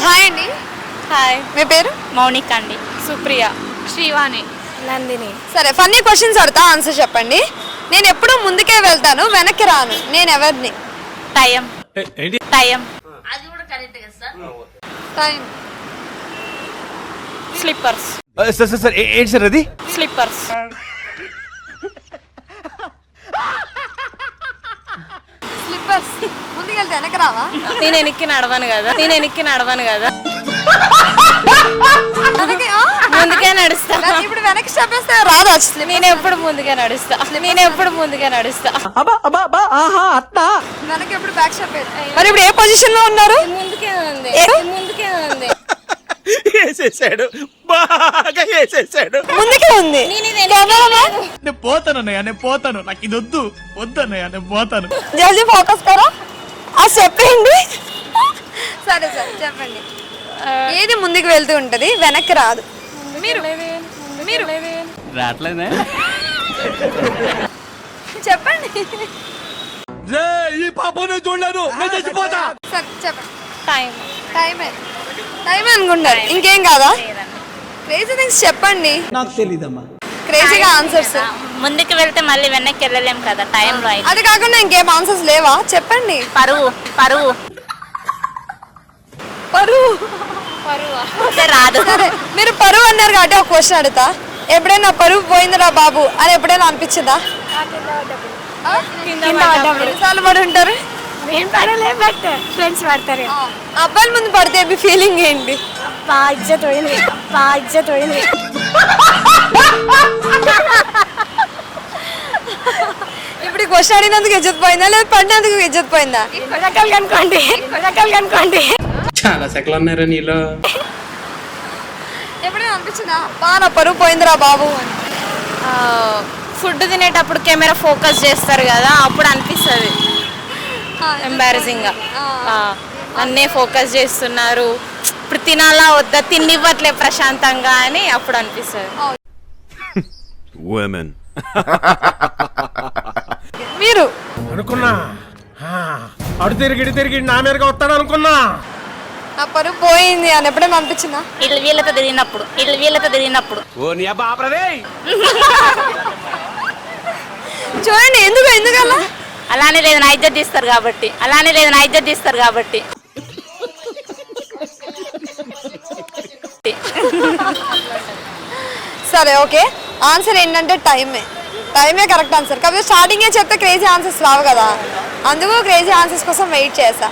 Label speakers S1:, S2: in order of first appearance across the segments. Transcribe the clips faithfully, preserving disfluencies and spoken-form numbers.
S1: Hi అండి.
S2: Hi,
S1: మీ పేరు?
S2: మౌనిక అండి. సుప్రియ.
S3: శ్రీవాణి.
S2: నందిని.
S1: సరే, ఫన్నీ క్వశ్చన్స్ అడతా, ఆన్సర్ చెప్పండి. నేను ఎప్పుడు ముందుకే వెళ్తాను, వెనక్కి రాను. నేను ఎవరిని?
S2: Time. Time.
S1: Time.
S2: Slippers.
S4: Sir sir sir ఏంటి సార్ అది?
S2: స్లిప్పర్స్.
S1: స్లిప్పర్స్. ముందుకు వెళ్తే వెనక్కి రావా?
S2: నేను వెనక్కి నడవను కదా నేను వెనక్కి నడవను కదా
S1: వెనక్కి, ఆ?
S2: ముందుకే నడుస్తా.
S1: ఇప్పుడు వెనక్కి స్టెప్ వేస్తే రాదు అసలు.
S2: నేను ఎప్పుడు ముందుకే నడుస్తా నేను ఎప్పుడు ముందుకే నడుస్తా
S1: వెనక్కి ఎప్పుడు బ్యాక్ స్టెప్ వేయాలి. మరి ఇప్పుడు ఏ పొజిషన్ లో ఉన్నారు?
S2: ముందుకే ఉంది ముందుకే ఉంది
S4: వేసేసాడు, బాగా వేసేసాడు.
S1: ముందుకే ఉంది.
S4: నేను పోతాను అన్నయ్య, నేను పోతాను. నాకు ఇది వద్దు వద్దు అన్నయ్య, నేను పోతాను.
S1: జల్దీ ఫోకస్ కరా. ఆ చెప్పండి. సరే సరే చెప్పండి. ఏది ముందుకు వెళ్తూ ఉంటది, వెనక్కి రాదు? మీరు మీరు
S4: రావట్లేదే.
S1: చెప్పండి.
S4: ఈ పాపను చూడలేను, నేను చచ్చిపోతా.
S1: సరే చెప్పండి.
S2: టైం.
S1: టైమే టైమే అనుకుంటారు, ఇంకేం కాదా? క్రేజీ థింగ్స్ చెప్పండి.
S5: నాకు తెలీదమ్మా.
S1: క్రేజీగా ఆన్సర్స్.
S2: ముందుకు వెళ్తే మళ్ళీ వెనక్కి వెళ్ళలేం కదా టైంలో అయితే.
S1: అది కాకుండా ఇంకేం ఆన్సర్స్ లేవా? చెప్పండి.
S2: పరువు. పరువు.
S1: పరువు.
S2: పరువు అంటే రాదు.
S1: సరే, మీరు పరువు అన్నారు కాబట్టి ఒక క్వశ్చన్ అడుగుతా. ఎప్పుడైనా పరువు పోయిందిరా బాబు అని ఎప్పుడైనా అనిపించిందా? ఆ? ఎన్నిసార్లు పడి ఉంటారు?
S3: నేను పడలే, బట్ ఫ్రెండ్స్ పడతారు.
S1: అబ్బాయిల ముందు పడితే మీ ఫీలింగ్ ఏంటి?
S3: బా ఇజ్జత్ పోయింది, బా ఇజ్జత్ పోయింది.
S1: ఇప్పుడు క్వశ్చన్ అడిగినందుకు ఇజ్జత్ పోయిందా లేదా పడినందుకు ఇజ్జత్ పోయిందా?
S3: రకాలు కనుకోండి రకాలు కనుకోండి.
S6: చాలా సెకలు ఉన్నారా నీలో?
S1: ఎప్పుడైనా అనిపించిందా బా నా పరువు పోయిందిరా బాబు అని?
S2: ఫుడ్ తినేటప్పుడు కెమెరా ఫోకస్ చేస్తారు కదా, అప్పుడు అనిపిస్తుంది ఎంబారసింగ్ గా. అన్నే ఫోకస్ చేస్తున్నారు, ఇప్పుడు తినాలా వద్దా, తిన్నివ్వట్లే ప్రశాంతంగా అని అప్పుడు అనిపిస్తుంది.
S1: మీరు
S7: అనుకున్నా అడు తిరిగి ఇటు తిరిగి నా మీదగా వస్తాడు అనుకున్నా.
S1: నా పరువు పోయింది అని ఎప్పుడైనా అనిపించిందా?
S2: ఇల్లు వీళ్ళతో తిరిగినప్పుడు ఇల్లు వీళ్ళతో తిరిగినప్పుడు
S1: చూడండి, ఎందుకు ఎందుకలా?
S2: అలానే లేదు నా ఇజ్జత్ తీస్తారు కాబట్టి అలానే లేదు నా ఇజ్జత్ తీస్తారు కాబట్టి
S1: సరే ఓకే, ఆన్సర్ ఏంటంటే టైమే. టైమే కరెక్ట్ ఆన్సర్. కాకపోతే స్టార్టింగే చెప్తే క్రేజీ ఆన్సర్స్ రావు కదా, అందుకు క్రేజీ ఆన్సర్స్ కోసం వెయిట్ చేసా.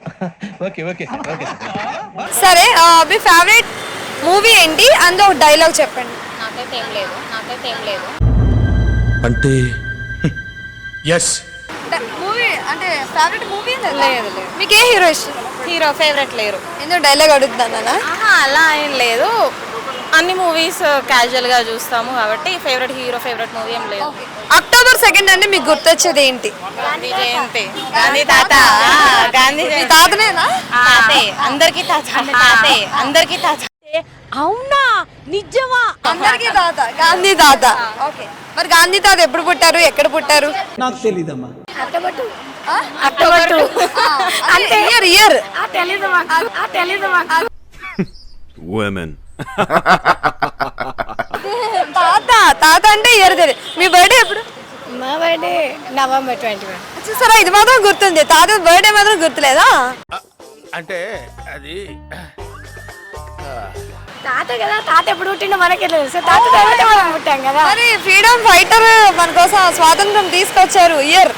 S1: సరే, మీ ఫేవరెట్ మూవీ ఏంటి? అందులో ఒక డైలాగ్ చెప్పండి.
S2: నాకైతే ఏం లేదు నాకైతే ఏం లేదు
S7: అంటే ఎస్
S1: మూవీ అంటే ఫేవరెట్ మూవీ లేదు.
S2: లేదు.
S1: మీకు ఏ హీరో ఇష్టం?
S2: హీరో ఫేవరెట్ లేరు.
S1: ఎందుకు డైలాగ్ అడుగుతానా?
S2: అలా ఏం లేదు, అన్ని మూవీస్ క్యాజువల్ గా చూస్తాము కాబట్టి ఫేవరెట్ హీరో ఫేవరెట్ మూవీ ఏం లేదు.
S1: అక్టోబర్ సెకండ్ అంటే మీకు గుర్తొచ్చేది ఏంటి?
S2: గాంధీ జయంతి. గాంధీ తాత. గాంధీ
S1: మీ తాతనేనా?
S2: తాతే అందరికి తాత. తాతే అందరికి తాత.
S3: అవునా, నిజమా?
S1: అందరికీ తాత, గాంధీ తాత. ఓకే, మరి గాంధీ తాత ఎప్పుడు పుట్టారు, ఎక్కడ పుట్టారు?
S5: నాకు తెలీదమ్మా.
S3: అట్టబట్టు
S1: ఆ?
S3: అట్టబట్టు
S1: అంటే ఇయర్ ఇయర్
S3: ఆ తెలీదు మాకు, ఆ తెలీదు మాకు.
S1: తాత తాత అంటే ఇయర్ తెలియదు. మీ బర్త్డే ఎప్పుడు?
S3: మా బర్త్డే నవంబర్ ట్వంటీ వన్.
S1: చూసారా, ఇది మాత్రం గుర్తుంది, తాత బర్త్డే మాత్రం గుర్తులేదా?
S7: అంటే అది
S3: తాత కదా, తాత ఎప్పుడు పుట్టిండో మనకే తెలుసు. తాత తర్వాత మనం పుట్టాం కదా.
S1: మరి ఫ్రీడమ్ ఫైటర్ మన కోసం స్వాతంత్రం తీసుకొచ్చారు ఇయర్.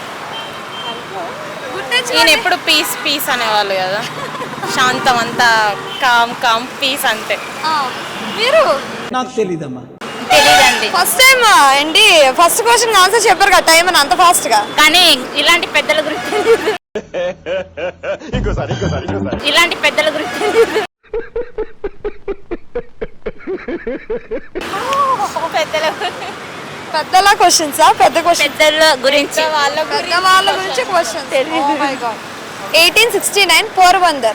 S2: నేను ఎప్పుడు పీస్ పీస్ అనేవాళ్ళు కదా, శాంతం అంతా కామ్ కామ్ పీస్ అంతే.
S1: మీరు?
S5: నాకు తెలీదమ్మా.
S2: తెలీదండి.
S1: ఫస్ట్ టైం ఏంటి ఫస్ట్ క్వశ్చన్ ఆన్సర్ చెప్పారు కదా, టైం అని అంత ఫాస్ట్ గా.
S2: కానీ ఇలాంటి పెద్దల గురించి ఇలాంటి పెద్దల గురించి పెద్దల
S1: పెద్దల క్వశ్చన్సా? పెద్ద క్వశ్చన్
S2: పెద్దల గురించి వాళ్ళ
S1: పెద్ద వాళ్ళ గురించి question. Eighteen sixty nine Porbandar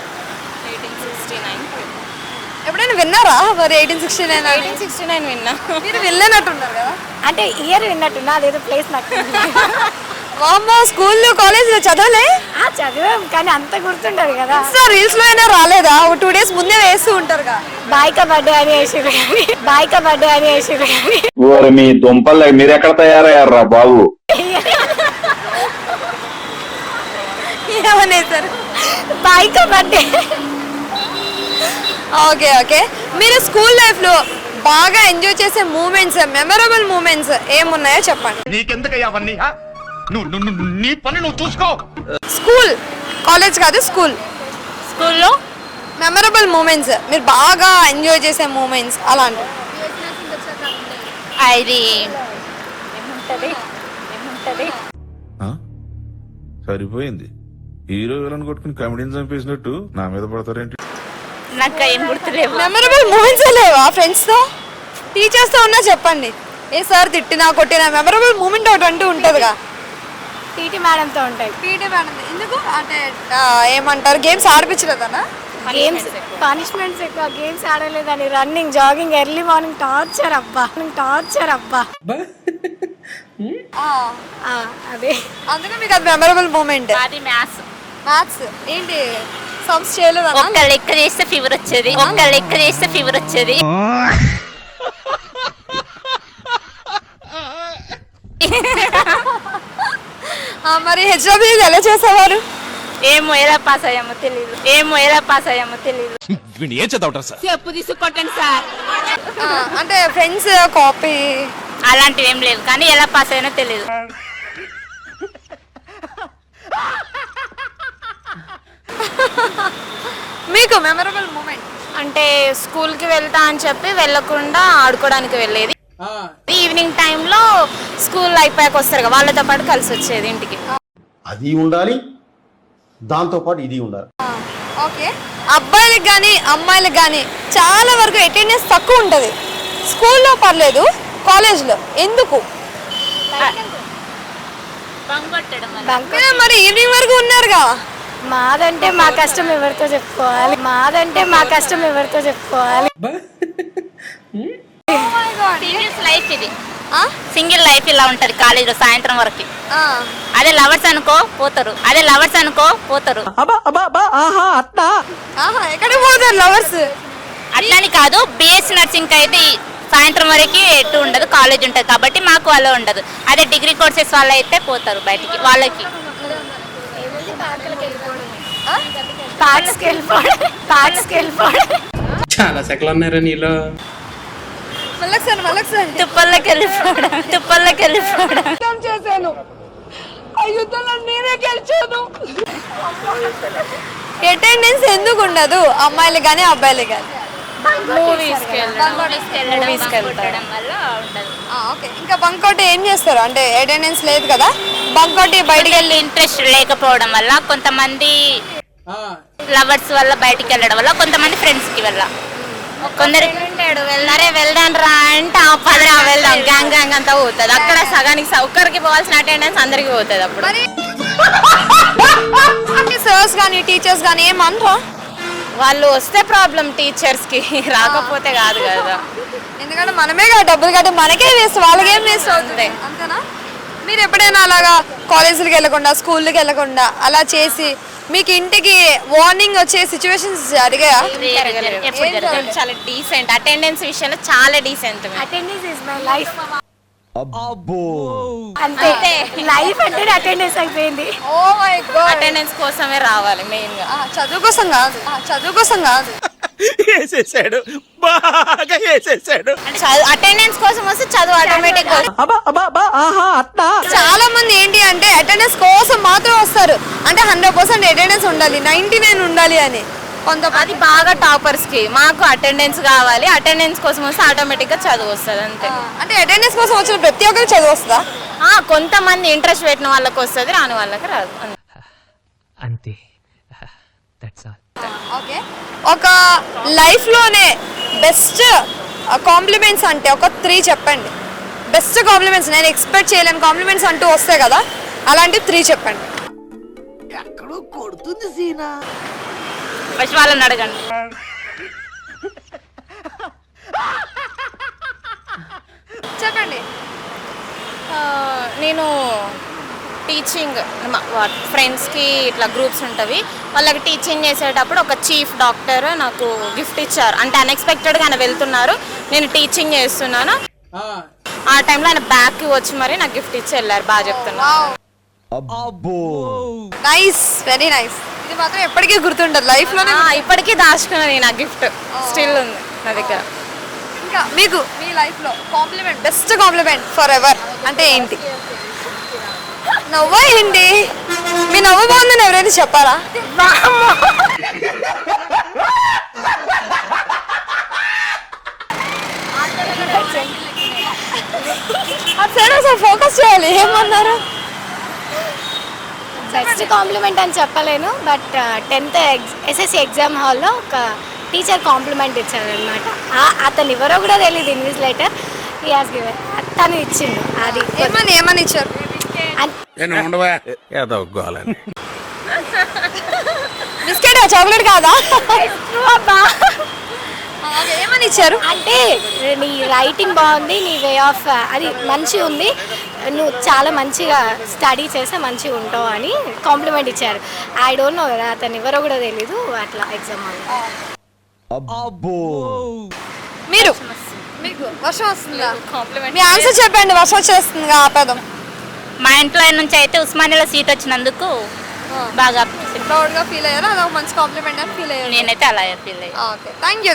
S1: ఎప్పుడైనా విన్నారా? మరి eighteen sixty nine
S2: eighteen sixty nine విన్నా.
S1: మీరు విన్నట్టున్నారు కదా.
S3: అంటే ఇయర్ విన్నట్టున్నా, అదేదో ప్లేస్ నాకు
S1: వామ్మో స్కూల్లో కాలేజ్లో చదవలే
S3: ఆ, చదివాం కానీ అంత గుర్తుండదు కదా.
S1: రీల్స్ లో అయినా రాలేదా? ఒక టూ డేస్ ముందే వేస్తూ ఉంటారుగా.
S3: బాయిక బర్త్డే అని వేసిరు కానీ బాయిక బర్త్డే అని వేసిరు కానీ
S8: ఓరి మీ దుంపలు మీరు ఎక్కడ తయారయ్యారా బాబు?
S1: ఏమనేసారు?
S3: బాయిక బర్త్డే.
S1: ఓకే ఓకే మీరు స్కూల్ లైఫ్ లో బాగా ఎంజాయ్ చేసే మూమెంట్స్, మెమరబుల్ మూమెంట్స్ ఏమున్నాయో చెప్పండి.
S4: నీకెందుకయ్యా అవన్నీ హా? నువ్వు నువ్వు నువ్వు- నీ పని నువ్వు చూసుకో.
S1: స్కూల్, కాలేజ్ కాదు స్కూల్.
S2: స్కూల్లో
S1: మెమరబుల్ మూమెంట్స్, మీరు బాగా ఎంజాయ్ చేసే మూమెంట్స్ అలాంటివి.
S2: అది
S9: సరిపోయింది. హీరో విలన్ కొట్టుకుని కమెడీని చంపేసినట్టు నా మీద పడతారేంటి?
S2: నాకు ఏం గుర్తులేవు.
S1: మెమరబుల్ మూమెంట్స్ లేవా ఫ్రెండ్స్ తో, టీచర్స్ తో ఉన్నా చెప్పండి. ఏ సార్ తిట్టినా కొట్టినా మెమరబుల్ మూమెంట్ ఒకటి అంటూ ఉంటుందిగా.
S3: టీటీ మేడంతో ఉంటాయి.
S1: పీటీ మేడం ఎందుకు అంటే ఆ, ఏమంటారు గేమ్స్ ఆడిపించలేదనా?
S3: గేమ్స్ పనిష్మెంట్స్ ఎక్కువ, గేమ్స్ ఆడలేదని. Running, jogging, early morning torture అబ్బా, టార్చర్ అబ్బా.
S1: ఆ,
S3: ఆ, అదే
S1: అందుకే మీకు అది మెమరబుల్ మూమెంట్.
S2: అది మ్యాథ్స్.
S1: మ్యాథ్స్ ఏంటి సమ్స్ చేయలేదనా?
S2: ఒక్క లెక్క చేస్తే ఫీవర్ వచ్చేది, ఒక్క లెక్క చేస్తే ఫీవర్ వచ్చేది.
S1: ఆ, మరి హెచ్డబ్ల్యూ ఎలా చేసేవారు?
S2: ఏమో ఎలా పాస్ అయ్యామో తెలియదు, ఏమో ఎలా పాస్ అయ్యామో తెలియదు.
S4: ఏం చదవటం సార్?
S2: చెప్పు తీసుకొట్టండి సార్.
S1: ఆ, అంటే ఫ్రెండ్స్ కాపీ
S2: అలాంటివి ఏం లేవు కానీ ఎలా పాస్ అయ్యానో తెలియదు.
S1: మీకు మెమరబుల్ మూమెంట్
S2: అంటే స్కూల్ కి వెళ్తా అని చెప్పి వెళ్ళకుండా ఆడుకోవడానికి వెళ్ళేది. ఈవినింగ్ టైంలో స్కూల్ అయిపోయాక వస్తారు కదా, వాళ్ళతో పాటు కలిసి వచ్చేది ఇంటికి.
S10: అది ఉండాలి, దాంతో పాటు ఇది ఉండాలి.
S1: ఓకే, అబ్బాయిలకు కానీ అమ్మాయిలకు కానీ చాలా వరకు అటెండెన్స్ తక్కువ ఉంటుంది. స్కూల్లో పర్లేదు, కాలేజ్లో ఎందుకు? మీరు మరి ఈవినింగ్ వరకు ఉన్నారుగా.
S3: మాదంటే మా కష్టం ఎవరితో చెప్పుకోవాలి, మాదంటే మా కష్టం ఎవరితో చెప్పుకోవాలి.
S2: లైఫ్ ఇది సింగిల్ లైఫ్ ఇలా ఉంటది కాలేజ్ లో సాయంత్రం వరకు. అదే లవర్స్ అనుకో పోతారు, అదే లవర్స్ అనుకో పోతారు.
S1: ఆహా, ఎక్కడికి పోతారు లవర్స్?
S2: అట్లని కాదు, బిఎస్సి నర్సింగ్ అయితే సాయంత్రం వరకు ఎటు ఉండదు, కాలేజ్ ఉంటది కాబట్టి మాకు అలా ఉండదు. అదే డిగ్రీ కోర్సెస్ వాళ్ళు అయితే పోతారు బయటికి, వాళ్ళకి
S3: పార్క్స్కి వెళ్ళిపోవడం, పార్క్స్కి వెళ్ళిపోవడం.
S6: చాలా సెకలు ఉన్నారా నీలో?
S1: మళ్ళొకసారి మళ్ళొకసారి
S2: తుప్పల్లోకి వెళ్ళిపోవడం, తుప్పల్లోకి వెళ్ళిపోవడం.
S1: చేశాను, ఆ యుద్ధంలో నేనే గెలిచాను. అటెండెన్స్ ఎందుకు ఉండదు అమ్మాయిలు కానీ అబ్బాయిలు కానీ?
S2: మూవీస్కి వెళ్ళడం వల్ల ఉండదు.
S1: ఓకే, ఇంకా బంకోటి ఏం చేస్తారు అంటే అటెండెన్స్ లేదు కదా, బంకోటి బయటికి వెళ్ళి
S2: ఇంట్రెస్ట్ లేకపోవడం వల్ల, కొంతమంది లవర్స్ వల్ల బయటికి వెళ్ళడం వల్ల, కొంతమంది ఫ్రెండ్స్ కి వల్ల. కొందరు వెళ్ళారే వెళ్దాం రా అంటే ఆ పదరా వెళ్దాం గ్యాంగ్ గ్యాంగ్ అంతా పోతుంది. అక్కడ సగానికి ఒక్కరికి పోవాల్సిన అటెండెన్స్ అందరికి పోతుంది. అప్పుడు
S1: సర్స్ కానీ టీచర్స్ కానీ ఏమంటారా?
S2: వాళ్ళు వస్తే ప్రాబ్లం, టీచర్స్ కి రాకపోతే కాదు కదా.
S1: ఎందుకంటే మనమే కదా డబ్బులు కట్టి మనకే వేస్ట్, వాళ్ళకేం వేస్ట్ అవుతుంది అంతేనా? మీరు ఎప్పుడైనా అలాగా కాలేజీలకు వెళ్ళకుండా స్కూల్కి వెళ్ళకుండా అలా చేసి మీకు ఇంటికి వార్నింగ్ వచ్చే సిచ్యువేషన్స్ జరిగాయా?
S2: ఎప్పుడు జరగదు. చాలా డీసెంట్, అటెండెన్స్ విషయంలో చాలా decent.
S3: Attendance is my life. అంతే, లైఫ్ అంటే అటెండెన్స్ అయిపోయింది.
S1: ఓ మై గాడ్,
S2: అటెండెన్స్ కోసమే రావాలి మెయిన్ గా,
S1: చదువు కోసం కాదు, చదువు కోసం కాదు.
S4: వేసేసాడు, బాగా వేసేసాడు.
S2: అటెండెన్స్ కోసం వస్తే చదువు ఆటోమేటిక్.
S1: చాలా మంది ఏంటి అంటే అటెండెన్స్ కోసం మాత్రం వస్తారు, అంటే హండ్రెడ్ పర్సెంట్ అటెండెన్స్ ఉండాలి, నైన్టీ నైన్ ఉండాలి అని. కొంత
S2: అది బాగా టాపర్స్ కి. మాకు అటెండెన్స్ కావాలి, అటెండెన్స్ కోసం వస్తే ఆటోమేటిక్ గా చదువు వస్తుంది అంతే.
S1: అంటే అటెండెన్స్ కోసం వచ్చిన ప్రతి ఒక్కరికి చదువు వస్తుందా?
S2: ఆ కొంతమంది ఇంట్రెస్ట్ పెట్టిన వాళ్ళకి వస్తుంది, రాని వాళ్ళకి రాదు
S11: అంతే. That's all.
S1: ఓకే, ఒక లైఫ్ లోనే బెస్ట్ కాంప్లిమెంట్స్ అంటే ఒక త్రీ చెప్పండి. బెస్ట్ కాంప్లిమెంట్స్, నేను ఎక్స్పెక్ట్ చేయలేని కాంప్లిమెంట్స్ అంటూ వస్తాయి కదా, అలాంటి త్రీ చెప్పండి.
S5: ఎక్కడో కొడుతుంది సీనా.
S2: ఫస్ట్ వాళ్ళని అడగండి.
S1: చెప్పండి.
S2: నేను టీచింగ్ ఫ్రెండ్స్కి ఇట్లా గ్రూప్స్ ఉంటవి, వాళ్ళకి టీచింగ్ చేసేటప్పుడు ఒక చీఫ్ డాక్టర్ నాకు గిఫ్ట్ ఇచ్చారు. అంటే అన్ఎక్స్పెక్టెడ్గా ఆయన వెళ్తున్నారు, నేను టీచింగ్ చేస్తున్నాను. ఆ టైంలో ఆయన బ్యాక్కి వచ్చి మరి నాకు గిఫ్ట్ ఇచ్చి వెళ్ళారు. బాగా చెప్తున్నారు.
S1: Nice, very nice. ఇది మాత్రం ఎప్పటికీ గుర్తుండదు లైఫ్ లోనే.
S2: ఆ, ఇప్పటికీ దాచుకున్నది నా గిఫ్ట్ స్టిల్ ఉంది నా దగ్గర.
S1: ఇంకా మీకు మీ లైఫ్ లో compliment, best compliment for ever అంటే ఏంటి? నవ్వా ఏంటి? మీ నవ్వు బాగుందని ఎవరైనా చెప్పారా? అటు సైడ్ ఒకసారి ఫోకస్ చేయాలి. ఏమన్నారు?
S3: బెస్ట్ కాంప్లిమెంట్ అని చెప్పలేను, బట్ టెన్త్ ఎస్ఎస్సి ఎగ్జామ్ హాల్లో ఒక టీచర్ కాంప్లిమెంట్ ఇచ్చారు అనమాట. అతను ఎవరో కూడా తెలియదు, ఇన్విజిలేటర్ ఈ హాస్ గివెన్, తను ఇచ్చిండు. అది
S1: ఏమని ఏమని ఇచ్చారు? బిస్కెట్ చాక్లెట్ కాదా? ఓకే, ఏమని ఇచ్చారు?
S3: అంటే నీ రైటింగ్ బాగుంది, నీ వే ఆఫ్ అది మంచిగా ఉంది, నువ్వు చాలా మంచిగా స్టడీ చేస్తే మంచిగా ఉంటావు అని కాంప్లిమెంట్ ఇచ్చారు. ఐ డోంట్ నో కదా, అతను ఎవరో కూడా తెలీదు. అట్లా ఎగ్జామ్ హాల్లో.
S1: మీరు మీకు వర్షం వస్తుందా?
S2: కాంప్లిమెంట్
S1: మీ ఆన్సర్ చెప్పండి. వర్షం వచ్చేస్తుంది ఆపేద్దాం.
S2: మా ఇంట్లో నుంచి అయితే ఉస్మానియాలో సీట్ వచ్చినందుకు బాగా
S1: ప్రౌడ్ గా ఫీల్ అయ్యారు. అదొక మంచి కాంప్లిమెంట్ అని ఫీల్ అయ్యారు.
S2: నేనైతే అలా ఫీల్ అయ్యాను.
S1: Okay, thank you.